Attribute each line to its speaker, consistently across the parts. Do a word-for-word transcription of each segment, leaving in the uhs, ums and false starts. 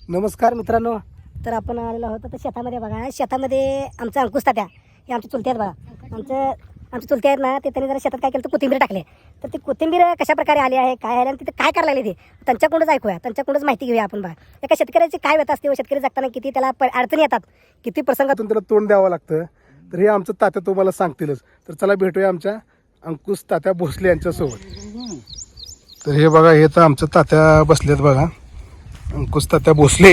Speaker 1: नमस्कार मित्रांनो. तर आपण आलेलो आहोत तर शेतामध्ये बघा. शेतामध्ये आमचं अंकुश तात्या हे आमचे चुलते आहेत बघा. आमचं आमचे चुलते आहेत ना, ते त्यांनी जरा शेतात काय केलं तर कोथिंबीर टाकले. तर ती कोथिंबीर कशा प्रकारे आली आहे, काय आहे आणि तिथे काय करायला लागले ते त्यांच्याकडूनच ऐकूया, त्यांच्याकडूनच माहिती घेऊया आपण बघा. एका शेतकऱ्याची काय व्यथा असते व शेतकरी जगताना किती त्याला प- अडचणी येतात, किती प्रसंगातून
Speaker 2: त्याला तोंड द्यावं लागतं. तर हे आमचं तात्या तुम्हाला सांगतीलच. तर चला भेटूया आमच्या अंकुश तात्या भोसले यांच्यासोबत. तर हे बघा, हे तर आमचं तात्या बसलेत बघा, अंकुश तात्या भोसले.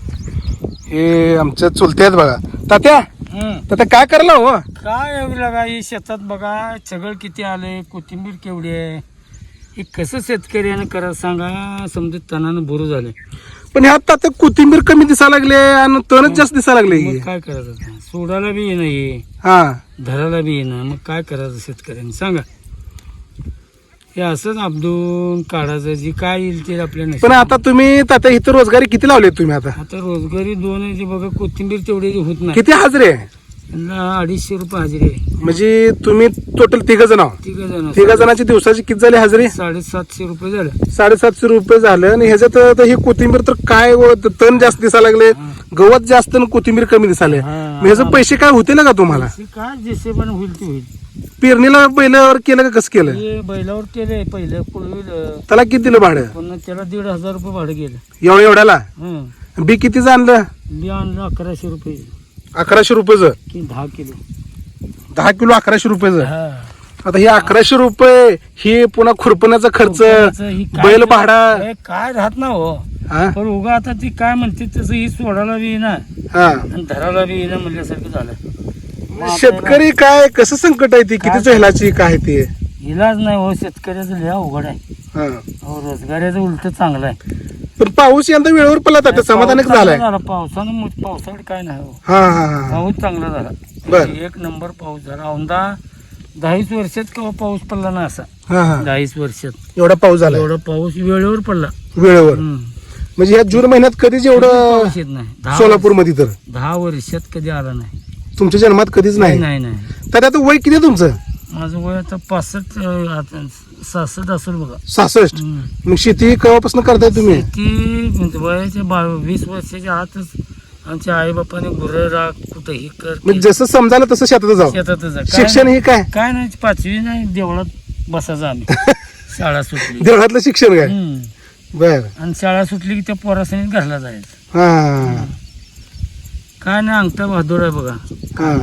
Speaker 2: हे आमच्या चुलते आहेत बघा. तात्या तात्या काय करला हो?
Speaker 3: काय एवढं लागा ही शेतात बघा, सगळं किती आलंय, कोथिंबीर केवढी आहे, हे कसं शेतकऱ्याने करा सांगा. समजा तणानं बोरू झाले,
Speaker 2: पण ह्यात तात्या कोथिंबीर कमी दिसायला लागले आणि तणच जास्त दिसायला लागले.
Speaker 3: मग काय करायचं आता? सोडायला बी येणं, हे
Speaker 2: हा
Speaker 3: धरायला बी येणं, मग काय करायचं शेतकऱ्यांनी सांगा. हे असंच आपदून काढायचं, जी काय येईल ते आपल्या नशिबात.
Speaker 2: पण आता तुम्ही तात्या इथं रोजगारी किती लावले तुम्ही? आता
Speaker 3: आता रोजगारी दोन आहे, जे बघा कोथिंबीर तेवढी होत नाही.
Speaker 2: किती हजरे आहे?
Speaker 3: त्यांना अडीचशे रुपये हजेरी आहे.
Speaker 2: म्हणजे तुम्ही टोटल तिघ जण आहोत.
Speaker 3: तिघ जण
Speaker 2: तिघा जणांची दिवसाची किती झाली हजेरी?
Speaker 3: साडेसातशे रुपये झालं.
Speaker 2: साडेसातशे रुपये झालं. आणि ह्याच्यात तर ही कोथिंबीर तर काय व तण जास्त दिसायला लागले, गवत जास्त आणि कोथिंबीर कमी दिसायले.
Speaker 3: हा.
Speaker 2: मग ह्याचे पैसे काय होतील का तुम्हाला?
Speaker 3: ते काय जसे पण होईल ते होईल.
Speaker 2: पेरणीला बैलावर केलं का कसं केलं?
Speaker 3: हे बैलावर केलंय पहिलं पुढील,
Speaker 2: त्याला किती दिलं भाडं?
Speaker 3: पुन्हा त्याला दीड हजार रुपये भाडं गेलं.
Speaker 2: एवढ्या एवढ्याला
Speaker 3: हं.
Speaker 2: बी कितीचं आणलं?
Speaker 3: बी आणलं अकराशे रुपये
Speaker 2: अकराशे रुपयेचं.
Speaker 3: की दहा किलो.
Speaker 2: दहा किलो अकराशे रुपयेचं.
Speaker 3: हा.
Speaker 2: आता हे अकराशे रुपये हे पुन्हा खुरपण्याचा खर्च,
Speaker 3: खुरपण्याचं ही काय-
Speaker 2: बैल भाडा.
Speaker 3: हे काय राहत ना हो.
Speaker 2: हा
Speaker 3: पण उगा आता ती काय म्हणते तसं ही सोडायला बी येईना
Speaker 2: हा
Speaker 3: आणि धरायला बी येईना म्हणल्यासारखं झालं. मग आपल्याला
Speaker 2: शेतकरी काय कसं संकट आहे ती, किती झेलाची काय ते.
Speaker 3: इलाज नाही हो, शेतकऱ्याचं लय अवघड आहे.
Speaker 2: हा.
Speaker 3: हो, रोजगाराचं उलट चांगलं आहे.
Speaker 2: पण पाऊस यंदा वेळेवर पडला तर समाधानच
Speaker 3: पाऊस
Speaker 2: झालाय.
Speaker 3: चांगला झाला. पावसानं मग पावसाकडे काय नाही हो.
Speaker 2: हा हा हा
Speaker 3: पाऊस चांगला झाला.
Speaker 2: बर.
Speaker 3: एक नंबर पाऊस झाला. औंधा दहावीस वर्षात केव्हा पाऊस पडला ना असा.
Speaker 2: हा हा
Speaker 3: दहावीस वर्षात
Speaker 2: एवढा पाऊस झाला
Speaker 3: एवढा पाऊस वेळेवर पडला.
Speaker 2: वेळेवर.
Speaker 3: हम्म.
Speaker 2: म्हणजे या जून महिन्यात कधीच एवढं
Speaker 3: पाऊस येत नाही. दहा
Speaker 2: सोलापूर मध्ये तर
Speaker 3: दहा वर्षात कधी आला नाही.
Speaker 2: तुमच्या जन्मात कधीच नाही.
Speaker 3: नाही नाही
Speaker 2: तर आता वय किती आहे तुमचं?
Speaker 3: माझं वय आता पासष्ट अं, आता सहासष्ट असेल बघा.
Speaker 2: सहासष्ट.
Speaker 3: हम्म.
Speaker 2: मग शेती केव्हापासून करताय तुम्ही?
Speaker 3: ती म्हणजे वयाच्या बा वीस वर्षाच्या आतच आमच्या आई बापाने गुरं राख कुठं हे कर
Speaker 2: म्हणजे जसं समजायला तसं शेतात जाऊ.
Speaker 3: शेतातच आहे. काय
Speaker 2: शिक्षण
Speaker 3: नाही-
Speaker 2: हे काय?
Speaker 3: काय नाही, पाचवी नाही देवळात बसायचं आम्ही. शाळा सुटली.
Speaker 2: देवळातलं शिक्षण काय?
Speaker 3: हम्म.
Speaker 2: बर.
Speaker 3: आणि शाळा सुटली की त्या पोरासनी घरला जायचं.
Speaker 2: हा
Speaker 3: काय नाही, अंगठा बहादूर आहे बघा.
Speaker 2: हा.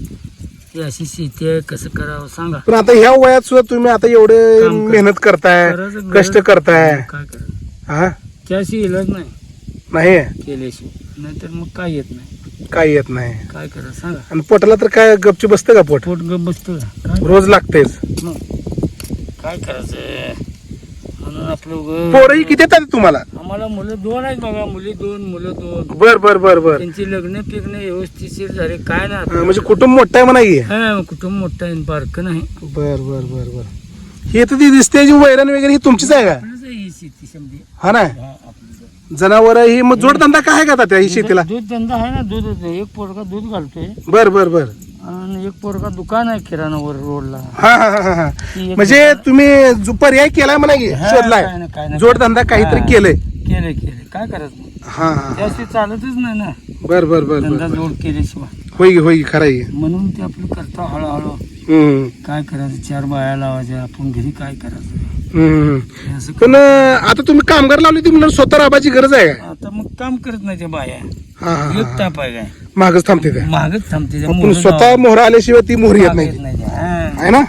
Speaker 3: ही अशी शेती आहे, कसं करावं सांगा.
Speaker 2: पण आता ह्या वयात सुद्धा तुम्ही आता एवढे
Speaker 3: काम कर-
Speaker 2: मेहनत करताय,
Speaker 3: करायचं-
Speaker 2: कष्ट करताय.
Speaker 3: काय करायचं,
Speaker 2: हा
Speaker 3: त्याशी इलाज नाही
Speaker 2: नाही
Speaker 3: केल्याशिवाय. नाहीतर मग काय येत नाही.
Speaker 2: काय येत नाही.
Speaker 3: काय करायचं सांगा.
Speaker 2: आणि पोटाला तर काय गपची बसतं का पोट?
Speaker 3: पोट गप बसतो का? काय
Speaker 2: रोज लागतेच.
Speaker 3: मग काय करायचं म्हणून आपलं उगाच-
Speaker 2: पोरही किती येतात तुम्हाला?
Speaker 3: आम्हाला मुलं दोन आहेत बघा. मुली दोन, मुलं दोन.
Speaker 2: बर बर बर बर.
Speaker 3: त्यांची लग्न पिग्न व्यवस्थितशीर झाले. काय नाही
Speaker 2: हा, म्हणजे कुटुंब मोठं आहे म्हणा की.
Speaker 3: हा, कुटुंब मोठं आहे, बारकं नाही.
Speaker 2: बर बर बर बर. हे तर ती दिसते जी वैरण वगैरे ही तुमचीच आहे का?
Speaker 3: आपलंच आहे ही शेती समजी.
Speaker 2: हा ना.
Speaker 3: हा, आपलं.
Speaker 2: जनावर ही मग जोडधंदा काय आहे का त्या ही शेतीला?
Speaker 3: दूध धंदा आहे ना. दूध एक पोरगा दूध घालतोय
Speaker 2: बर बर बर.
Speaker 3: आणि एक पोरगा दुकान आहे किराणावर रोडला.
Speaker 2: हा हा हा हा.
Speaker 3: ती एक
Speaker 2: म्हणजे तुम्ही जो पर्याय केलाय म्हणा की,
Speaker 3: हा,
Speaker 2: शोधलाय
Speaker 3: काय नाही, काय नाही.
Speaker 2: जोडधंदा काहीतरी
Speaker 3: हा.
Speaker 2: केलंय.
Speaker 3: केले केले काय करायचं.
Speaker 2: हा हा.
Speaker 3: त्याशी चालतच नाही ना.
Speaker 2: बर बर बर
Speaker 3: धंदा
Speaker 2: बर.
Speaker 3: जोड केल्याशिवाय.
Speaker 2: होय की होय की, खरं आहे.
Speaker 3: म्हणून ते आपलं करता हळूहळू.
Speaker 2: हम्म,
Speaker 3: काय करायचं, चार बाया लावायच्या, आपण घरी काय करायचं
Speaker 2: हम्म.
Speaker 3: हे असं
Speaker 2: पण अं, आता तुम्ही कामगार लावले ती म्हणून स्वतः राबाची गरज आहे का?
Speaker 3: आता मग काम करत नाही त्या बाया.
Speaker 2: हा हा,
Speaker 3: एक
Speaker 2: हा.
Speaker 3: ताप आहे काय,
Speaker 2: मागच थांबते त्या.
Speaker 3: मागच थांबते त्या.
Speaker 2: पण
Speaker 3: मोहरं
Speaker 2: स्वतः
Speaker 3: जावं.
Speaker 2: मोहरा आल्याशिवाय ती मोहर येत
Speaker 3: मागं
Speaker 2: नाही
Speaker 3: येत नाही त्या. हा.
Speaker 2: आहे ना.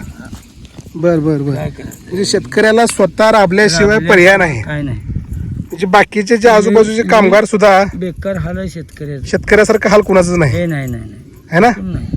Speaker 2: बर बर बर.
Speaker 3: काय करायचं,
Speaker 2: म्हणजे शेतकऱ्याला स्वतः राबल्याशिवाय
Speaker 3: आपल्या-
Speaker 2: पर्याय नाही.
Speaker 3: काय नाही.
Speaker 2: म्हणजे बाकीचे जे आजूबाजूचे कामगार सुद्धा
Speaker 3: बेकार हाल आहे शेतकऱ्याचं.
Speaker 2: शेतकऱ्यासारखं हाल कुणाचंच नाही
Speaker 3: हे नाही नाही नाही
Speaker 2: आहे ना.
Speaker 3: पण नाही.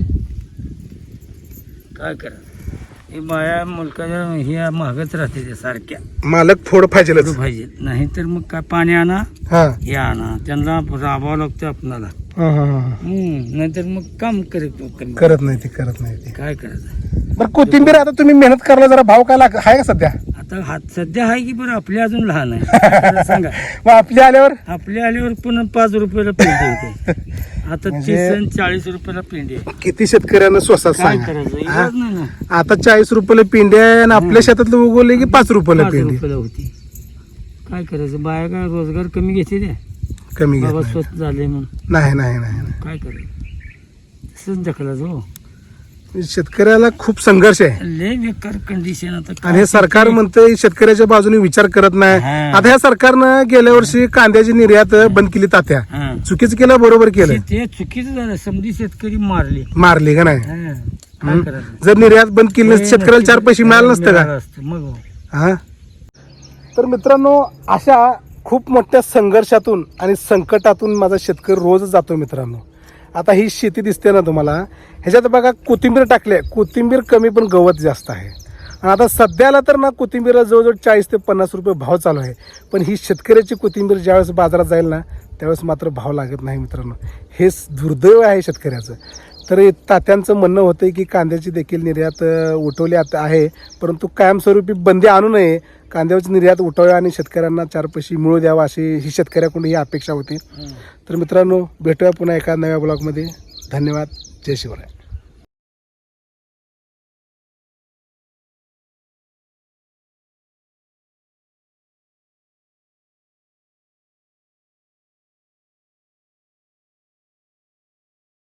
Speaker 3: काय करायचं, हे बाया मुलकाच्या हे महागच राहते त्या सारख्या.
Speaker 2: मालक थोडं पाहिजेलच.
Speaker 3: पाहिजे नाही तर मग काय पाणी आणा,
Speaker 2: हा
Speaker 3: हे आणा, त्यांना राबावं लागतं आपणाला.
Speaker 2: हा हा हा.
Speaker 3: हम्म नाहीतर मग काम करत कमी.
Speaker 2: करत नाही ते करत नाही ते.
Speaker 3: काय करायचं.
Speaker 2: बरं कोथिंबीर आता तुम्ही मेहनत करायला जरा भाव काय लाग आहे का सध्या?
Speaker 3: आता हात सध्या आहे की बरं, आपली अजून लहान आहे. काय सांगा,
Speaker 2: मग आपल्या आल्यावर
Speaker 3: आपल्या आल्यावर पुन्हा पाच रुपयाला पेंडी होते. आता
Speaker 2: म्हणजे-
Speaker 3: तीस आणि चाळीस रुपयाला पेंडी आहे.
Speaker 2: किती शेतकऱ्यांना स्वसात
Speaker 3: काय
Speaker 2: सांगा.
Speaker 3: करायचं,
Speaker 2: हा?
Speaker 3: इलाज नाही ना.
Speaker 2: आता चाळीस रुपयाला पिंडी आहे आणि आपल्या शेतातलं उगवले की पाच रुपयाला
Speaker 3: पाच
Speaker 2: पिंडी.
Speaker 3: रुपयाला होती. काय करायचं, बाया काय रोजगार कमी घेते त्या.
Speaker 2: कमी घेत
Speaker 3: बाबा
Speaker 2: नाही.
Speaker 3: स्वत झाले मग
Speaker 2: नाही नाही नाही नाही.
Speaker 3: काय करेल तसंच ढकला जो
Speaker 2: शेतकऱ्याला खूप संघर्ष आहे
Speaker 3: लय बेकार कंडिशन आता काय
Speaker 2: आणि हे सरकार म्हणतंय शेतकऱ्याच्या बाजूने विचार करत नाही.
Speaker 3: हा.
Speaker 2: आता ह्या सरकारनं गेल्या वर्षी कांद्याची निर्यात बंद केली तात्या.
Speaker 3: हा.
Speaker 2: चुकीचं केलं बरोबर केलं.
Speaker 3: ते- ते चुकीचं झालं समधी शेतकरी मारले
Speaker 2: मारली का नाही.
Speaker 3: हा. काय करायचं
Speaker 2: जर निर्यात बंद केली नसती शेतकऱ्याला चार पैसे मिळाले नसते का.
Speaker 3: मिळालं असतं. मग हो.
Speaker 2: हा तर मित्रांनो अशा खूप मोठ्या संघर्षातून आणि संकटातून माझा शेतकरी रोज जातो मित्रांनो. आता ही शेती दिसते ना तुम्हाला ह्याच्यात बघा कोथिंबीर टाकले कोथिंबीर कमी पण गवत जास्त आहे. आणि आता सध्याला तर ना कोथिंबीर जवळजवळ चाळीस ते पन्नास रुपये भाव चालू आहे. पण ही शेतकऱ्याची कोथिंबीर ज्यावेळेस बाजारात जाईल ना त्यावेळेस मात्र भाव लागत नाही मित्रांनो. हे दुर्दैव आहे शेतकऱ्याचं. तर हे तात्यांचं म्हणणं होतं की कांद्याची देखील निर्यात अ, उठवली आता आहे परंतु कायमस्वरूपी बंदी आणू नये. कांद्याची निर्यात उठवावी आणि शेतकऱ्यांना चार पैसे मिळू द्यावा अशी ही शेतकऱ्याकडून ही अपेक्षा होती. तर मित्रांनो भेटूया पुन्हा एका नव्या ब्लॉगमध्ये. धन्यवाद. जय शिवराय.